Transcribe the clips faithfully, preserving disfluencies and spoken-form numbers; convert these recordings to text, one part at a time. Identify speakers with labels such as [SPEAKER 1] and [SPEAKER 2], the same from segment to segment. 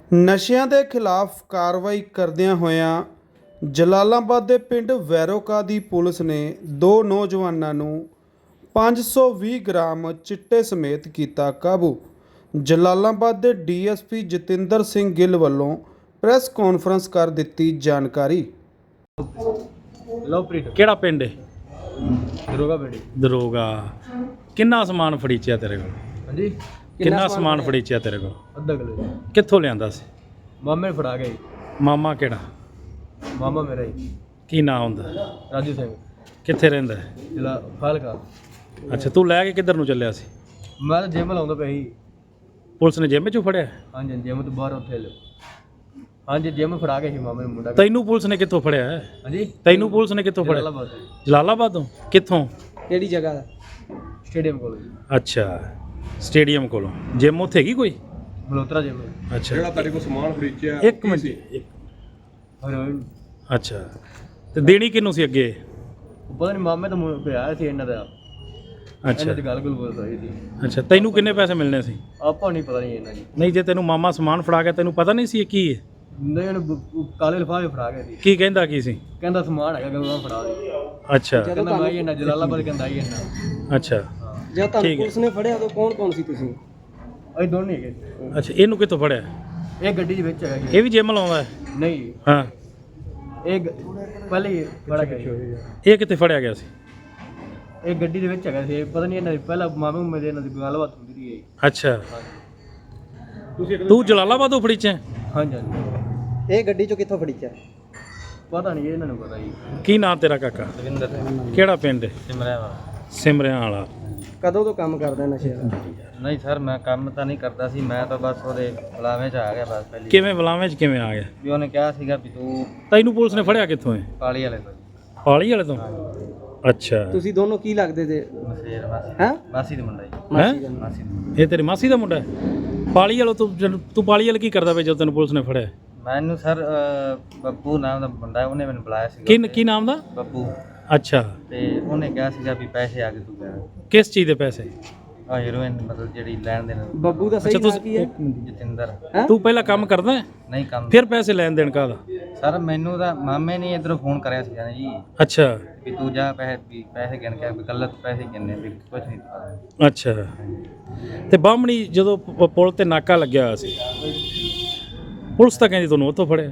[SPEAKER 1] ਨਸ਼ਿਆਂ ਦੇ ਖਿਲਾਫ ਕਾਰਵਾਈ ਕਰਦਿਆਂ ਹੋਇਆਂ ਜਲਾਲਾਬਾਦ ਦੇ ਪਿੰਡ ਵੈਰੋਕਾ ਦੀ ਪੁਲਿਸ ਨੇ ਦੋ ਨੌਜਵਾਨਾਂ ਨੂੰ ਪੰਜ ਸੌ ਵੀਹ ਗ੍ਰਾਮ ਚਿੱਟੇ ਸਮੇਤ ਕੀਤਾ ਕਾਬੂ। ਜਲਾਲਾਬਾਦ ਦੇ ਡੀਐਸਪੀ ਜਤਿੰਦਰ ਸਿੰਘ ਗਿੱਲ ਵੱਲੋਂ ਪ੍ਰੈਸ ਕਾਨਫਰੰਸ ਕਰ ਦਿੱਤੀ ਜਾਣਕਾਰੀ।
[SPEAKER 2] ਲਵਪ੍ਰੀਤ
[SPEAKER 3] ਕਿਹੜਾ ਪਿੰਡ ਹੈ?
[SPEAKER 2] ਦਰੋਗਾ ਬੇੜੀ।
[SPEAKER 3] ਦਰੋਗਾ। ਕਿੰਨਾ ਸਮਾਨ ਫੜੀਚਿਆ ਤੇਰੇ ਕੋਲ?
[SPEAKER 2] ਹਾਂਜੀ,
[SPEAKER 3] ਕਿੰਨਾ ਸਮਾਨ ਫੜੀਚਿਆ ਤੇਰੇ ਕੋਲ?
[SPEAKER 2] ਅੱਧਾ ਕਿਲੋ।
[SPEAKER 3] ਕਿੱਥੋਂ ਲਿਆਂਦਾ ਸੀ?
[SPEAKER 2] ਮਾਮੇ ਨੇ ਫੜਾ ਗਏ।
[SPEAKER 3] ਮਾਮਾ ਕਿਹੜਾ?
[SPEAKER 2] ਮਾਮਾ ਮੇਰਾ ਹੀ
[SPEAKER 3] ਕੀ ਨਾਂ ਹੁੰਦਾ?
[SPEAKER 2] ਰਾਜੂ ਸਿੰਘ,
[SPEAKER 3] ਕਿੱਥੇ ਰਹਿੰਦਾ ਹੈ?
[SPEAKER 2] ਜ਼ਿਲ੍ਹਾ ਫਾਜ਼ਿਲਕਾ।
[SPEAKER 3] ਅੱਛਾ, ਤੂੰ ਲੈ ਕੇ ਕਿੱਧਰ ਨੂੰ ਚੱਲਿਆ ਸੀ?
[SPEAKER 2] ਮੈਂ ਤਾਂ ਜਿਮ ਲਾਉਂਦਾ ਪਿਆ ਸੀ।
[SPEAKER 3] ਪੁਲਿਸ ਨੇ ਜਿੰਮ 'ਚੋਂ ਫੜਿਆ?
[SPEAKER 2] ਹਾਂਜੀ, ਜਿਮ ਤੋਂ ਬਾਹਰ ਉੱਥੇ ਲਿਓ। ਹਾਂਜੀ, ਜਿਮ ਫੜਾ ਗਏ ਸੀ ਮਾਮੇ ਨੂੰ ਮੁੰਡਾ।
[SPEAKER 3] ਤੈਨੂੰ ਪੁਲਿਸ ਨੇ ਕਿੱਥੋਂ ਫੜਿਆ?
[SPEAKER 2] ਹਾਂਜੀ,
[SPEAKER 3] ਤੈਨੂੰ ਪੁਲਿਸ ਨੇ ਕਿੱਥੋਂ ਫੜਿਆ?
[SPEAKER 2] ਜਲਾਲਾਬਾਦ।
[SPEAKER 3] ਜਲਾਲਾਬਾਦੋਂ? ਕਿੱਥੋਂ?
[SPEAKER 2] ਕਿਹੜੀ ਜਗ੍ਹਾ ਦਾ? ਸਟੇਡੀਅਮ ਕੋਲ।
[SPEAKER 3] ਅੱਛਾ, ਸਟੇਡੀਅਮ ਕੋਲੋਂ। ਜਿੰਮ ਉੱਥੇ ਹੈਗੀ ਕੋਈ?
[SPEAKER 2] ਮਲੋਤਰਾ ਜਿਮ।
[SPEAKER 3] ਅੱਛਾ,
[SPEAKER 4] ਜਿਹੜਾ ਤੁਹਾਡੇ ਕੋਲ ਸਮਾਨ ਖਰੀਦਿਆ
[SPEAKER 3] ਇੱਕ ਮਿੰਟ। ਇੱਕ-
[SPEAKER 2] ਹੈਰੋਇਨ।
[SPEAKER 3] ਅੱਛਾ, ਤੇ ਦੇਣੀ ਕਿਹਨੂੰ ਸੀ ਅੱਗੇ?
[SPEAKER 2] ਪਤਾ ਨਹੀਂ, ਮਾਮੇ ਤੋਂ ਮੁੰ- ਪਿਆ ਸੀ ਇਹਨਾਂ ਦਾ।
[SPEAKER 3] ਅੱਛਾ
[SPEAKER 2] ਇਹਨਾਂ ਦੀ ਗੱਲ ਗੁੱਲ ਬੋਲ ਰਹੀ ਸੀ।
[SPEAKER 3] ਅੱਛਾ, ਤੈਨੂੰ ਕਿੰਨੇ ਪੈਸੇ ਮਿਲਣੇ ਸੀ?
[SPEAKER 2] ਆਪਾਂ ਨਹੀਂ ਪਤਾ ਨਹੀਂ ਇਹਨਾਂ ਦੀ।
[SPEAKER 3] ਨਹੀਂ, ਜੇ ਤੈਨੂੰ ਮਾਮਾ ਸਮਾਨ ਫੜਾ ਗਿਆ ਤੈਨੂੰ ਪਤਾ ਨਹੀਂ ਸੀ ਇਹ ਕੀ ਹੈ?
[SPEAKER 2] ਨਹੀਂ, ਇਹਨੂੰ ਬ- ਕਾਲੇ ਲਿਫਾਫੇ ਫੜਾ ਗਏ ਸੀ।
[SPEAKER 3] ਕੀ ਕਹਿੰਦਾ ਕੀ ਸੀ?
[SPEAKER 2] ਕਹਿੰਦਾ ਸਮਾਨ ਹੈਗਾ, ਕਹਿੰਦਾ ਫੜਾ ਦੇ।
[SPEAKER 3] ਅੱਛਾ
[SPEAKER 2] ਕਹਿੰਦਾ ਮੈਂ ਹੀ ਇਹਨਾਂ ਜਲਾਲਾਬਾਦ ਕਹਿੰਦਾ ਹੀ ਇਹਨਾਂ।
[SPEAKER 3] ਅੱਛਾ
[SPEAKER 5] ਜਦ ਤੁਹਾਨੂੰ
[SPEAKER 3] ਠੀਕ ਹੈ।
[SPEAKER 5] ਪੁਲਿਸ ਨੇ ਫੜਿਆ ਉਦੋਂ ਕੌਣ ਕੌਣ ਸੀ ਤੁਸੀਂ?
[SPEAKER 2] ਅਸੀਂ ਦੋਨੇ ਹੈਗੇ ਸੀ।
[SPEAKER 3] ਅੱਛਾ, ਇਹਨੂੰ ਕਿੱਥੋਂ ਫੜਿਆ?
[SPEAKER 2] ਇਹ ਗੱਡੀ ਦੇ ਵਿੱਚ ਹੈਗਾ ਜੀ।
[SPEAKER 3] ਇਹ ਵੀ ਜਿੰਮ ਲਾਉਂਦਾ ਹੈ?
[SPEAKER 2] ਨਹੀਂ,
[SPEAKER 3] ਹਾਂ।
[SPEAKER 2] ਇਹ ਗ- ਪਹਿਲੇ ਹੀ ਬੜਾ ਗਿਆ।
[SPEAKER 3] ਇਹ ਕਿੱਥੇ ਫੜਿਆ ਗਿਆ ਸੀ?
[SPEAKER 2] ਇਹ ਗੱਡੀ ਦੇ ਵਿੱਚ ਹੈਗਾ ਸੀ। ਪਤਾ ਨਹੀਂ ਇਹਨਾਂ ਦੀ ਪਹਿਲਾਂ ਮਾਮੇ ਨੂੰ ਮੇਰੇ ਇਹਨਾਂ ਦੀ ਗੱਲਬਾਤ ਹੁੰਦੀ ਰਹੀ ਹੈ।
[SPEAKER 3] ਅੱਛਾ, ਤੂੰ ਜਲਾਲਾਬਾਦੋਂ ਫੜੀਚਿਆ?
[SPEAKER 2] ਹਾਂਜੀ ਹਾਂਜੀ,
[SPEAKER 5] ਇਹ ਗੱਡੀ ਚੋਂ ਕਿੱਥੋਂ ਫੜੀਚਾ?
[SPEAKER 2] ਪਤਾ ਨਹੀਂ, ਇਹਨਾਂ ਨੂੰ ਪਤਾ ਜੀ।
[SPEAKER 3] ਕੀ ਨਾਂ ਤੇਰਾ ਕਾਕਾ?
[SPEAKER 2] ਰਵਿੰਦਰ
[SPEAKER 3] ਕਿਹੜਾ ਪਿੰਡ ਹੈ?
[SPEAKER 2] ਸਿਮਰਿਆ ਵਾ।
[SPEAKER 3] ਸਿਮਰਿਆਂ ਵਾਲਾ।
[SPEAKER 5] ਕਦੋਂ ਤੋਂ ਕੰਮ ਕਰਦਾ ਨਸ਼ੇ ਦਾ?
[SPEAKER 2] ਨਹੀਂ ਸਰ, ਮੈਂ ਕੰਮ ਤਾਂ ਨਹੀਂ ਕਰਦਾ ਸੀ। ਮੈਂ ਤਾਂ ਬਸ ਉਹਦੇ ਬੁਲਾਵੇਂ 'ਚ ਆ ਗਿਆ ਬਸ ਪਹਿਲੀ।
[SPEAKER 3] ਕਿਵੇਂ ਬੁਲਾਵੇਂ 'ਚ ਕਿਵੇਂ ਆ ਗਿਆ?
[SPEAKER 2] ਵੀ ਉਹਨੇ ਕਿਹਾ ਸੀਗਾ ਵੀ ਤੂੰ
[SPEAKER 3] ਤੈਨੂੰ ਪੁਲਿਸ ਨੇ ਫੜਿਆ ਕਿੱਥੋਂ ਹੈ?
[SPEAKER 2] ਕਾਲੀ ਵਾਲੇ ਤੋਂ।
[SPEAKER 3] ਪਾਲੀ ਵਾਲੇ ਤੋਂ? ਅੱਛਾ,
[SPEAKER 5] ਤੁਸੀਂ ਦੋਨੋਂ ਕੀ ਲੱਗਦੇ ਤੇ?
[SPEAKER 2] ਮਸੇਰ ਮਾਸੀ।
[SPEAKER 5] ਹੈਂ?
[SPEAKER 2] ਮਾਸੀ ਦੇ ਮੁੰਡਾ ਜੀ।
[SPEAKER 3] ਹੈਂ?
[SPEAKER 2] ਮਾਸੀ ਦੇ।
[SPEAKER 3] ਇਹ ਤੇਰੀ ਮਾਸੀ ਦਾ ਮੁੰਡਾ ਹੈ? ਪਾਲੀ ਵਾਲਾ ਤੂੰ ਜਦੋਂ- ਤੂੰ ਪਾਲੀ ਵਾਲਾ ਕੀ ਕਰਦਾ ਵੇ ਜਦੋਂ ਤੈਨੂੰ ਪੁਲਿਸ ਨੇ ਫੜਿਆ?
[SPEAKER 2] ਮੈਨੂੰ ਸਰ ਅਹ, ਬੱਬੂ ਨਾਮ ਦਾ ਮੁੰਡਾ ਹੈ, ਉਹਨੇ ਮੈਨੂੰ ਬੁਲਾਇਆ ਸੀਗਾ।
[SPEAKER 3] ਕੀ ਕੀ ਨਾਮ ਦਾ?
[SPEAKER 2] ਬੱਬੂ।
[SPEAKER 3] ਅੱਛਾ,
[SPEAKER 2] ਤੇ ਉਹਨੇ ਕਿਹਾ ਸੀਗਾ ਵੀ ਪੈਸੇ ਆ ਕੇ ਤੂੰ ਕਹਿ
[SPEAKER 3] ਕਿਸ ਚੀਜ਼ ਦੇ ਪੈਸੇ?
[SPEAKER 2] ਆ ਹੀਰੋਇਨ ਮਤਲਬ ਜਿਹੜੀ ਲੈਣ ਦੇਣ।
[SPEAKER 5] ਬੱਬੂ ਦਾ
[SPEAKER 3] ਅੱਛਾ,
[SPEAKER 5] ਸਹੀ ਨਾਂ
[SPEAKER 3] ਤੁਸੀਂ
[SPEAKER 5] ਕੀ ਹੈ?
[SPEAKER 2] ਜਤਿੰਦਰ।
[SPEAKER 5] ਹੈਂ?
[SPEAKER 3] ਤੂੰ ਪਹਿਲਾਂ ਕੰਮ ਕਰਦਾ ਹੈ?
[SPEAKER 2] ਨਹੀਂ ਕੰਮ।
[SPEAKER 3] ਫਿਰ ਪੈਸੇ ਲੈਣ ਦੇਣ ਕਾਹਦਾ?
[SPEAKER 2] ਸਰ ਮੈਨੂੰ ਤਾਂ ਮਾਮੇ ਨੇ ਇਧਰੋਂ ਫੋਨ ਕਰਿਆ ਸੀਗਾ ਨਾ ਜੀ
[SPEAKER 3] ਅੱਛਾ
[SPEAKER 2] ਵੀ ਤੂੰ ਜਾ ਪੈਸੇ ਵੀ ਪੈਸੇ ਗਿਣ ਕੇ ਵੀ ਗਲਤ ਪੈਸੇ ਗਿਣਨੇ ਵੀ ਕੁਝ ਨਹੀਂ ਪਤਾ।
[SPEAKER 3] ਅੱਛਾ, ਤੇ ਬਾਹਮਣੀ ਜਦੋਂ ਪ- ਪੁਲ ਤੇ ਨਾਕਾ ਲੱਗਿਆ ਹੋਇਆ ਸੀ, ਪੁਲਿਸ ਤਾਂ ਕਹਿੰਦੀ ਤੁਹਾਨੂੰ ਉੱਥੋਂ ਫੜਿਆ।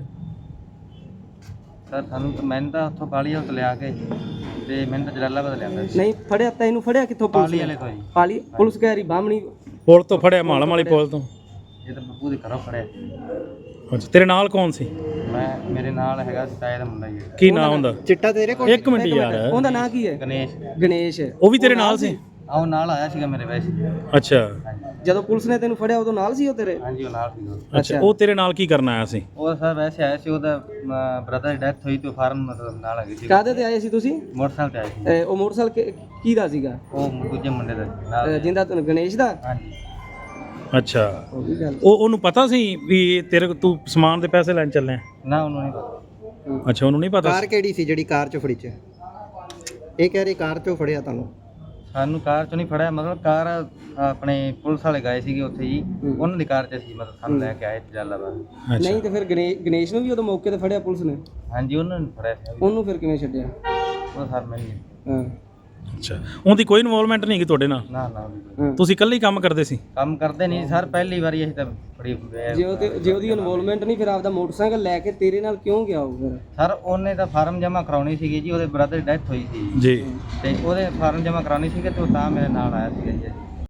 [SPEAKER 2] ਸਰ ਸਾਨੂੰ ਤਾਂ ਮੈਨੂੰ ਤਾਂ ਉੱਥੋਂ ਪਾਲੀ ਵਾਲੇ ਤੋਂ ਲਿਆ ਕੇ ਤੇ ਮੈਨੂੰ ਤਾਂ ਜਲਾਲਾਬਾਦ ਲਿਆਂਦਾ ਸੀ।
[SPEAKER 5] ਨਹੀਂ ਫੜਿਆ, ਤੈਨੂੰ ਫੜਿਆ ਕਿੱਥੋਂ ਪੁਲਿਸ
[SPEAKER 2] ਪਾਲੀ
[SPEAKER 5] ਨੇ?
[SPEAKER 2] ਵਾਲੇ ਤੋਂ ਜੀ।
[SPEAKER 5] ਪਾਲੀ ਪੁਲਿਸ ਕਹਿ ਰਹੀ ਬਾਹਮਣੀ।
[SPEAKER 3] ਪੁਲ ਤੋਂ ਫੜਿਆ? ਮਾਲਮ ਵਾਲੀ ਪੁਲ ਤੋਂ?
[SPEAKER 2] ਇਹ ਤਾਂ ਬੱਬੂ ਦੇ ਘਰੋਂ ਫੜਿਆ।
[SPEAKER 3] ਅੱਛਾ, ਤੇਰੇ ਨਾਲ ਕੌਣ ਸੀ?
[SPEAKER 2] ਮੈਂ ਮੇਰੇ ਨਾਲ ਹੈਗਾ ਸੀ ਤਾਏ ਦਾ ਮੁੰਡਾ ਜੀ,
[SPEAKER 3] ਕੀ ਨਾਂ ਹੁੰਦਾ?
[SPEAKER 5] ਚਿੱਟਾ ਤੇਰੇ ਕੋਲ?
[SPEAKER 3] ਇੱਕ ਮਿੰਟ ਯਾਰ,
[SPEAKER 5] ਉਹਦਾ ਨਾਂ ਕੀ ਹੈ?
[SPEAKER 2] ਗਣੇਸ਼।
[SPEAKER 5] ਗਣੇਸ਼।
[SPEAKER 3] ਉਹ ਵੀ ਤੇਰੇ ਨਾਲ ਸੀ?
[SPEAKER 2] ਆਹ ਨਾਲ ਆਇਆ ਸੀਗਾ ਮੇਰੇ ਵੈਸੇ।
[SPEAKER 3] ਅੱਛਾ
[SPEAKER 2] ਹਾਂਜੀ
[SPEAKER 5] ਜਦੋਂ ਪੁਲਿਸ ਨੇ ਤੈਨੂੰ ਫੜਿਆ ਉਦੋਂ ਨਾਲ ਸੀ ਉਹ ਤੇਰੇ?
[SPEAKER 2] ਹਾਂਜੀ, ਉਹ ਨਾਲ ਸੀਗਾ।
[SPEAKER 3] ਅੱਛਾ, ਉਹ ਤੇਰੇ ਨਾਲ ਕੀ ਕਰਨ ਆਇਆ ਸੀ?
[SPEAKER 2] ਉਹ ਸਰ ਵੈਸੇ ਆਇਆ ਸੀ, ਉਹਦਾ ਬ੍ਰਦਰ ਦੀ ਡੈਥ ਹੋਈ ਤੇ ਫਾਰਮ ਮਤਲਬ ਨਾਲ ਹੈਗੀ ਸੀ।
[SPEAKER 5] ਕਾਹਦੇ ਤੇ ਆਏ ਸੀ ਤੁਸੀਂ?
[SPEAKER 2] ਮੋਟਰਸਾਈਕਲ ਤੇ ਆਇਆ ਸੀ।
[SPEAKER 5] ਅਹ ਉਹ ਮੋਟਰਸਾਈਕਲ ਕਿ- ਕਿਹਦਾ ਸੀਗਾ?
[SPEAKER 2] ਉਹ ਦੂਜੇ ਮੁੰਡੇ ਦਾ ਨਾਲ।
[SPEAKER 5] ਅਹ ਜਿੰਦਾ ਤੈਨੂੰ ਗਣੇਸ਼ ਦਾ?
[SPEAKER 2] ਹਾਂਜੀ।
[SPEAKER 3] ਅੱਛਾ,
[SPEAKER 5] ਉਹ ਵੀ ਗੱਲ।
[SPEAKER 3] ਉਹ ਉਹਨੂੰ ਪਤਾ ਸੀ ਵੀ ਇਹ ਤੇਰੇ ਕੋਲ ਤੂੰ ਸਮਾਨ ਦੇ ਪੈਸੇ ਲੈਣ ਚੱਲਿਆ?
[SPEAKER 2] ਨਾ ਉਹਨੂੰ ਨਹੀਂ ਪਤਾ।
[SPEAKER 3] ਅੱਛਾ, ਉਹਨੂੰ ਨਹੀਂ ਪਤਾ
[SPEAKER 5] ਕਾਰ
[SPEAKER 3] ਸੀ?
[SPEAKER 5] ਕਿਹੜੀ ਸੀ ਜਿਹੜੀ ਕਾਰ ਚੋਂ ਫੜੀ ਚ? ਇਹ ਕਹਿ ਰਹੀ ਕਾਰ ਚੋਂ ਫੜਿਆ ਤੁਹਾਨੂੰ?
[SPEAKER 2] ਸਾਨੂੰ ਕਾਰ ਚੋਂ ਨਹੀਂ ਫੜਿਆ, ਮਤਲਬ ਕਾਰ ਆਪਣੇ ਪੁਲਿਸ ਵਾਲੇ ਗਏ ਸੀਗੇ ਉੱਥੇ ਜੀ, ਉਹਨਾਂ ਦੀ ਕਾਰ 'ਚ ਸੀ, ਮਤਲਬ ਸਾਨੂੰ ਲੈ ਕੇ ਆਏ ਜਲਾਲਾਬਾਦ।
[SPEAKER 3] ਅੱਛਾ,
[SPEAKER 5] ਨਹੀਂ ਤੇ ਫਿਰ ਗਣੇ- ਗਣੇਸ਼ ਨੂੰ ਵੀ ਉਦੋਂ ਮੌਕੇ ਤੇ ਫੜਿਆ ਪੁਲਿਸ ਨੇ?
[SPEAKER 2] ਹਾਂਜੀ, ਉਹਨਾਂ ਨੇ ਫੜਿਆ ਸੀ।
[SPEAKER 5] ਉਹਨੂੰ ਫਿਰ ਕਿਵੇਂ ਛੱਡਿਆ?
[SPEAKER 2] ਉਹ ਸਰ ਮੈਨੂੰ ਨਹੀਂ-
[SPEAKER 5] ਹਾਂ
[SPEAKER 3] ਅੱਛਾ, ਉਹਦੀ ਕੋਈ ਇਨਵੋਲਵਮੈਂਟ ਨਹੀਂ ਕਿ ਤੁਹਾਡੇ ਨਾਲ?
[SPEAKER 2] ਨਾ ਨਾ ਉਹਦੀ ਕੋਈ-
[SPEAKER 5] ਹਾਂ।
[SPEAKER 3] ਤੁਸੀਂ ਇਕੱਲੇ ਹੀ ਕੰਮ ਕਰਦੇ ਸੀ?
[SPEAKER 2] ਕੰਮ ਕਰਦੇ ਨਹੀਂ ਸਰ, ਪਹਿਲੀ ਵਾਰੀ ਅਸੀਂ ਤਾਂ ਬੜੀ
[SPEAKER 5] ਜੇ ਉਹਦੇ ਜੇ ਉਹਦੀ ਇਨਵੋਲਵਮੈਂਟ ਨਹੀਂ, ਫਿਰ ਆਪਦਾ ਮੋਟਰਸਾਈਕਲ ਲੈ ਕੇ ਤੇਰੇ ਨਾਲ ਕਿਉਂ ਗਿਆ ਉਹ ਫਿਰ?
[SPEAKER 2] ਸਰ ਉਹਨੇ ਤਾਂ ਫਾਰਮ ਜਮ੍ਹਾਂ ਕਰਾਉਣੀ ਸੀਗੀ ਜੀ, ਉਹਦੇ ਬ੍ਰਦਰ ਦੀ ਡੈਥ ਹੋਈ ਸੀ
[SPEAKER 3] ਜੀ।
[SPEAKER 2] ਤੇ ਉਹਦੇ ਫਾਰਮ ਜਮ੍ਹਾਂ ਕਰਾਉਣੀ ਸੀਗੀ ਤੇ ਉਹ ਤਾਂ ਮੇਰੇ ਨਾਲ ਆਇਆ ਸੀਗਾ ਜੀ।